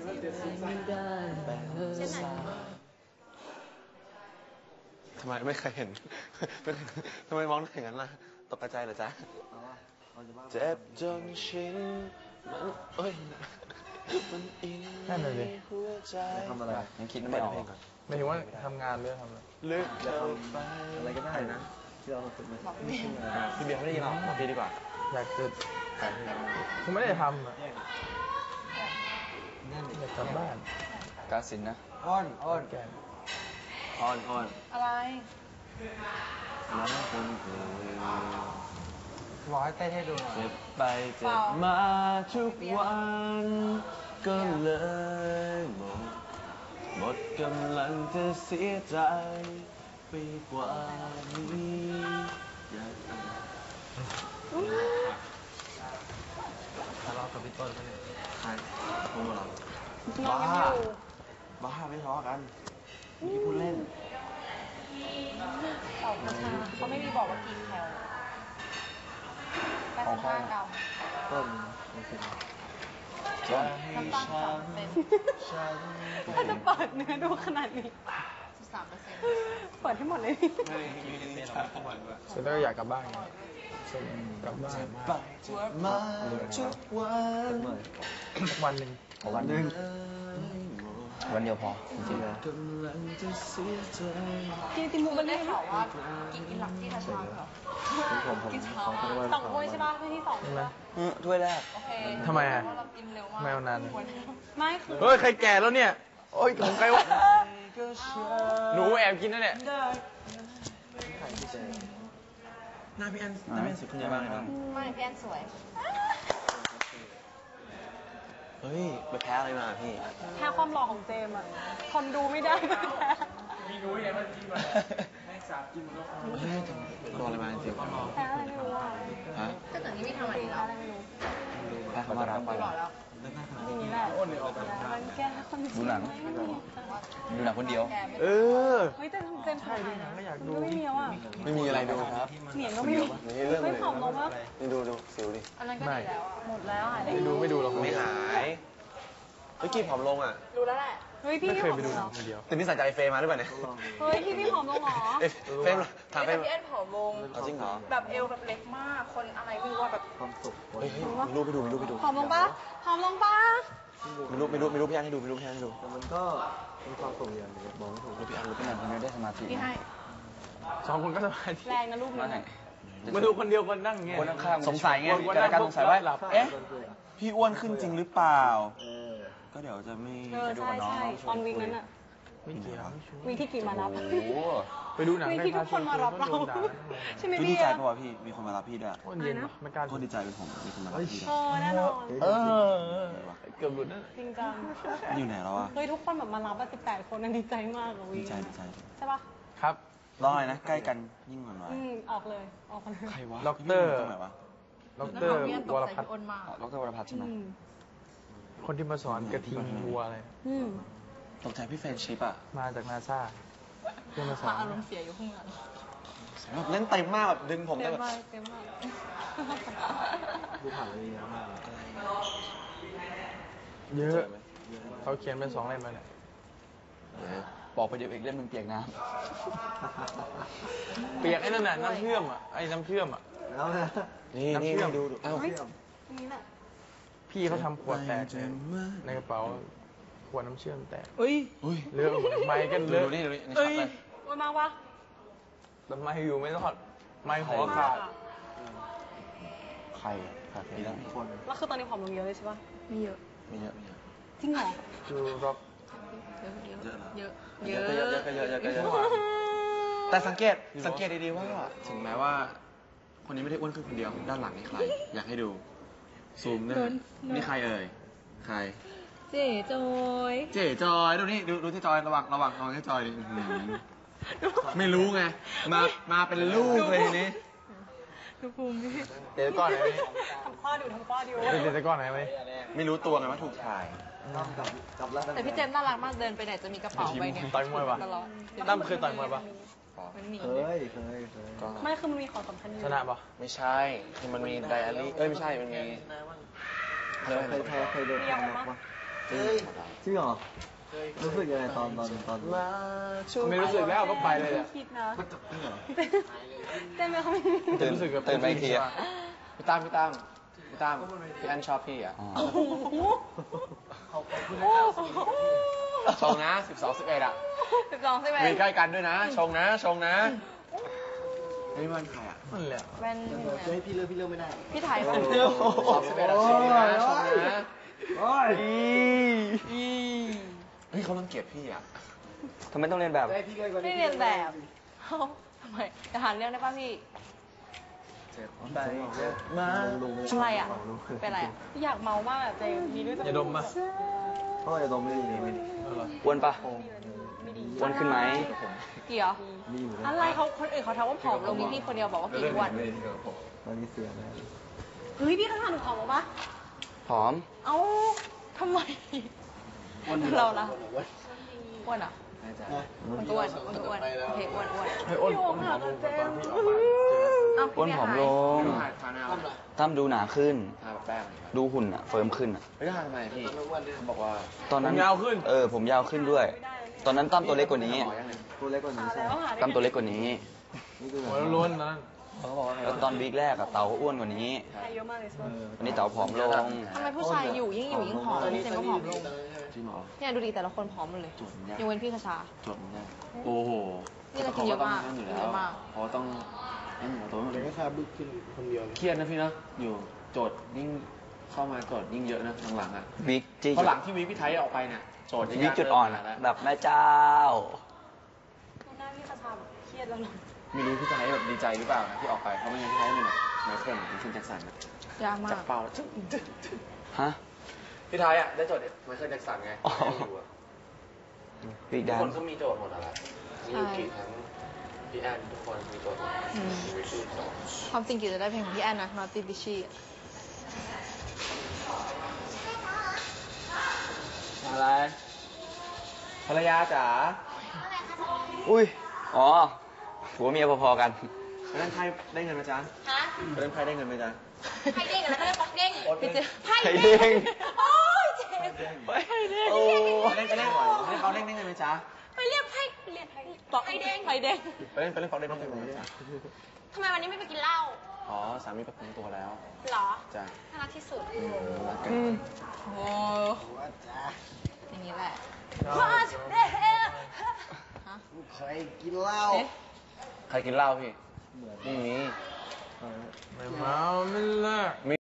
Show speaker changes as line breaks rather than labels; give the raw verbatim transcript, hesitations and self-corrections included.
ไม่ได้เช่นไหนทำไมไม่เคยเห็นทำไมมองอย่างนั้นล่ะตกใจเหรอจ๊ะเจ็บจนชินมันเอ้ยมันอินในหัวใจทำอะไรยังคิดไม่ออก
ไม่ถึงว่าทำงานหรือทำอะไร
ลึกเข้าไปอะไรก็ได้นะที่เราฝึกมาพี่เบียร์ไม่ได้ยินหรอกบอกพี่ดีกว่า
อยากจะผมไม่ได้ทำอ่ะอยากกลับบ้าน
กาสินนะอ้อนอ้อน
แกน
อ้อนอ้อน
อะไร
น้ำคนเอ่ย
ร้อยเต้นให้ดูหน่อย
เจ็บไปเจ็บมาทุกวันก็เลยหมดหมดกำลังจะเสียใจไปกว่านี้อยากทะเลาะกับพี่ต้นกันเนี่ยใครพวกเราบ้าบ้าไม่ทะเลาะกันเมื่อกี้พูดเล่น
ออกมาเขาไม่มีบอกว่ากี่แคลแปดสิบห้ากรัม
ต้นจะให้ฉันฉัน
ถ้าจะเปิดเนื้อดูขนาดนี้สิบสามเปอร์เซ็นต์เปิดให้หมดเลย
ไม่ยืนเล่นทุกวันด้วย
ฉันก็อยากกลับบ้านกลับบ้าน
มาทุกวัน
สักวันหนึ่ง
วันหนึ่ง
วันเดียวพอจริงๆ
กินติมูมันได้ข่าวว่ากินกินหลักที่ทัชมาเหรอกินเช้าสองถ้วยใช่ป่ะถ้วยที่สองใช่ป่ะ
ถ้วยแรก
โอเค
ทำไมอ่ะ
ไม่
เอานาน
ไม่คือ
เฮ้ยใครแก่แล้วเนี่ยโอ้ยของใครวะหนูแอบกินนั่นแหละ
หน้าพี่แอนหน้าพี่แอนสุดขึ้นเยอะมากเลยนะ
ไม่พี่แอนสวย
เฮ้ยไปแพ้อะไรมาพี่
แพ้ความหล่อของเจมอ่ะคนดูไม่ได้
มีรู้ยังไงมันกินมาให้สาบกินมันแล้ว
โดนอะไรมาจริง
แพ้อะไรไม่รู้อ่ะ
ฮะ
ก็แต่นี้ไม่ทำอะไรแล้วอะไรไม่รู้
แพ้เขามารับไป
หล่อแล้วนี่แหละมันแก้คน
ดูหนังดูหนังคนเดียว
เออ
เฮ้ยแต่เจม
ใช่ดูหนังก็อยากดู
ไม่มีแล้วอ่ะ
ไม่มีอะไรดูครับ
เหนียงก็ไม่มีไม่ผอมลงวะ
นี่ดูดูสิวดิ
อันนั้นก็ดีแล้วหมดแล้วหาย
ไม่ดูไม่ดูหรอก
ไม่หายเมื่อกี้ผอมลงอ่ะ
ดูแล้วแหละเฮ้ยพี่
ไม่เคยไปดูหนังคนเดียว
แต่นี่ใส่ใจเฟย์มาหรือเปล่าเนี่ย
เฮ้ยพี่พี่ผอมลงหรอ
เฟย์ถามเฟย์
พี่แอนผอมลง
จริงเหรอ
แบบเอวแบบเล็กมากคนอะไรไม่รู้ว่าแบบ
ความสุขเฮ้ยมีรูปไปดูมีรูปไปดู
ผอมลงปะผอมลงปะ
มีรูปมีรูปมีรูปพี่แอนให้ดูมีรูปพี่แอนให้ดู
แต่มันก็มีความสุขอย่างนึงมองไม่ถูก
รูปพี่แอนรูปพี่แอนคนนี้ได้สมาธิ
พี่ให้
สองคนก็สมาธิ
แรงนะรูปนี้
มาดูคนเดียวคนนั่งเงี้ย
คนข้างสงสัยไงเกิดการสงสัยว่าเอ๊ะพี่อ้วนขึ้นจริงหรือเปล่าก็เดี๋ยวจะไม่ไปดูกับน้อง
ตอนวิ่งนั้นอะ
ไม่เกี่ยว
วิ่งที่กี่มารับ
ไปดูหนัง
วิ่งที่ทุกคนมารับเราใช่ไหมพี่
ดีใจเพราะว่าพี่มีคนมารับพี่ด้วย
คนเย็นไม่กล้า
คนดีใจเป็นผมมีคนมารับพี่ด้วย
เออแน่นอน
เออ
เกือบหลุดนะ
จริงจัง
อยู่ไหนแล้วอะ
เฮ้ยทุกคนแบบมารับสิบแปดคนนั่นดีใจมากอะวิ่ง
ดีใจดีใจ
ใช่ปะ
ครับ
รออะไรนะใกล้กันยิ่งกว่าน้อย
ออกเลยออกกัน
ใครวะ
ด็อกเตอร์
ตรงไหนวะ
ด็อกเตอร์วรพัฒน์
ด็อกเตอร์วรพัฒน์ใช่ไหม
คนที่มาสอนกระทิงวัวอะไร
ตกใจพี่เฟรนชิปอะ
มาจากนาซาเพื่อมาสอน
อารมณ์เสียอยู่ข้างหลัง
แบบเล่นเต็มมากแบบดึงผมได้แบบ
เต็มมาก
ดูผ่านเลยเยอะมาก
เยอะเขาเขียนเป็นสองเล่มเลยเนี่ย
บอกไปเดี๋ยวอีกเล่มมันเปียกน้
ำเปียกไอ้นั่นน่ะน้ำเชื่อมอ่ะไอ้น้ำเชื่อมอ่ะ
แล้วนะ
นี่นี่ดูดู
เอ้านี่แหละ
พี่เขาทำขวดแตกในกระเป๋าขวดน้ำเชื่อมแตก
เฮ้ย
เลือดไม้กันเลือด
นี่ดูนี่
เฮ้ยวันมากวะ
แต่ไม้อยู่ไม่รอดไม้หัวขาด
ใครขาดไปแล้วมีคน
แล้วคือตอนนี้ผอมลงเยอะเลยใช่ปะ
ไม่เยอะไม่เยอะไม่เยอะ
จริงเหรอ
คือร็อก
เยอะ
เยอะเยอะเยอะเยอะเยอะเยอะแต่สังเกตสังเกตดีๆว่าถึงแม้ว่าคนนี้ไม่ได้อ้วนขึ้นคนเดียวด้านหลังนี่ใครอยากให้ดูซูมเนี่ยนี่ใครเอ่ยใคร
เจ๋จอย
เจ๋จอยดูนี่ดูดูที่จอยระวังระวังระวังที่จอยดิไม่รู้ไงมามาเป็นลูกเลยนี่
ดูภูมิ
เดี๋ยวก่อนไหน
ทำข้อดูทำข้อดู
เดี๋ยวก่อนไหนไหม
ไม่รู้ตัวไงว่าถูกถ่าย
แต่พี่เจมส์น่ารักมากเดินไปไหนจะมีกระเป๋าใบเนี่ย
ต่อยมวยปะตั้มเคยต่อยมวยปะ
เคยเคยเคย
ไม่คือมันมีของสำคัญอยู่
ชนะปะ
ไม่ใช่คือมันมีไดอารี่เอ้ยไม่ใช่มันมี
เคยเคยเคยโดนทำน็อกปะเฮ้ยจริงเหรอรู้สึกยังไงตอนตอนตอน
มาช่วย
ไม่รู้สึกแล้วก็ไปเลยอ่ะ
คิดนะ
จริงเหรอ
เต้นไม่ค่อย
ตื่น
รู้สึกแบบ
ตื่นไปอีกทีอะ
พี่ตั้มพี่ตั้มพี่ตั้มพี่อันชอบพี่อ่ะ
อ๋อ
โอ้โหโอ้โห
ชงนะสิบสองสิบเอ็ดอ่ะ
สิบสองสิบเอ็
มี
ด
ใกล้กันด้วยนะ ชงนะ ชงนะนี่มันใครอ่ะนั่นแหละ
เป็น
เฮ้ยพี่เลือกพี่เลือกไม่ได้
พี่ไทยค่ะ
สองสิบเอ็ดอะชงนะชงนะ
โอ้ย
เฮ้ยเขารังเกียจพี่อ่ะ
ทำไมต้องเรียนแบบ
ได้พี่ใกล้กว่า
ไม่เรียนแบบเอ้าทำไมจะหาเรื่องได้ป่ะพี่
ไปมา
อะไรอ่ะ เป็นอะไรอ่ะ อยากเมามากอะเจมมีด้วย
อย่าดมป่ะ
พ่อจะดมไม่ดีไม่ดี
อ้วนปะอ้วนขึ้นไหม
เกี่ยว
มีอยู่
อะไรเขาคนอื่นเขาทักว่าผอมลงมีพี่คนเดียวบอกว่ากินอ้วน
ตอนนี้เสียแล้ว
เฮ้ยพี่ข้างหน้าหนูผอมปะ
ผอม
เอ้าทำไมเราล่ะอ้วนอ่ะมันก็อ้วนมันก็อ้วนโอเคอ้วนอ้วน
เฮ้ยอ้นอ้นหอมลงตอนพี่ออกมา
เอ้า
อ้วนผอมลง
พี่ทาทาหน้า
ตั้มดูหนาขึ้น
ทาแป้ง
ดูหุ่นอะเฟิร์มขึ้นอะ
ไม่ได้ทาทำไมพี่เขาบอกว่า
ตอนนั้น
ผมยาวขึ้น
เออผมยาวขึ้นด้วย ตอนนั้นตั้มตัวเล็กกว่านี้
ตัวเล็กกว่านี้ใช่
แล้วหาได้
ตั้มตัวเล็กกว่านี้
นี่คือ
หัวล้วนๆนั่นเขาบอกว่า
แล้วตอนวีคแรกอะเต๋าก็อ้วนกว่านี้
ใครเยอะมากเลย
วันนี้เต๋าผอมลง
ทำไมผู้ชายอยู่ยิ่งอยู่ยิ่งผอมเจมก็ผอมลง
จริงเหรอ
เนี่ยดูดิแต่ละคนผอมหมดเลยยกเว้นพี่คชา
จดเนี่ยโอ้โห
นี่ก็กินเยอะมาก
ขต้งอยู่
กิน
แล้
เยว อะมาก
เพราะว่าต้องให้หมูตัวมัน
เด็กก็คาบึกขึ้นคนเดียว
เครียดนะพี่นะอยู่โจทย์ยิ่งเข้ามาโจทย์ยิ่งเยอะนะหลังๆอ่ะ
วิกจี้
เพราะหลังที่วีคพี่ไทยออกไปเนี่ยโจทย์
วิกจุดอ่อนอะแบบแม่เจ้า
หน้าพี่คชาแบบเครียดแล้วลง
ไม่รู้พี่ไทยแบบดีใจหรือเปล่านะที่ออกไปเพราะไม่งั้นพี่ไทยมันแบบไมเคิลหรือเคนแจ็คสันนะ
ยากมา
จั
ก
บเป่าจึ๊งจึ๊งจึ๊ง
ฮะ
พี่ไทยอ่ะได้โจทย์ไมเคิลแจ็คสันไง
อ๋อ
ไม่อยู่อะ
วิก
ทุ
แด
ก
น
คนก็มีโจทย์หมดอะไรมียูกิทั้งพี่แอนทุกคนมีโจทย์หมด
อืม
มีวิธีโจทย์
ความจริงกิจจะได้เพลงของพี่แอนนะ Naughty Bitchy
อะไรภรรยาจ๋า
อุ้ย อ๋อผัวเมียพอๆกัน
ไปเล่นไพ่ได้เงินไหมจ๊ะ
ฮะ
ไปเล่นไพ่ได้เงินไหมจ๊ะ
ไพ่เด้งแล้วก็เรียกป๊อกเด้งพี่เจ
ไพ่เด้ง
โอ้ยเจ็บ
ไพ่เด้งโอ้
ไปเล่นไปเล่นให้เขาเล่นได้เงินไหมจ๊ะ
ไปเรียกไพ่เรียกป๊อกไพ่เด้งไพ่เด้ง
ไปเล่นไปเล่นฟอกได้เงินไหมจ๊ะ
ทำไมวันนี้ไม่ไปกินเหล้า
อ๋อสามีประกันตัวแล้ว
หรอ
จ้ะ
น่ารักที่สุด
รักกัน
โอ้อย่างนี้แหละว่าเด้ฮะ
เคยกินเหล้า
เอ๊ะ
ใครกินเหล้าพี่ไม่มี
เออ
ไม่เมาไม่เลิก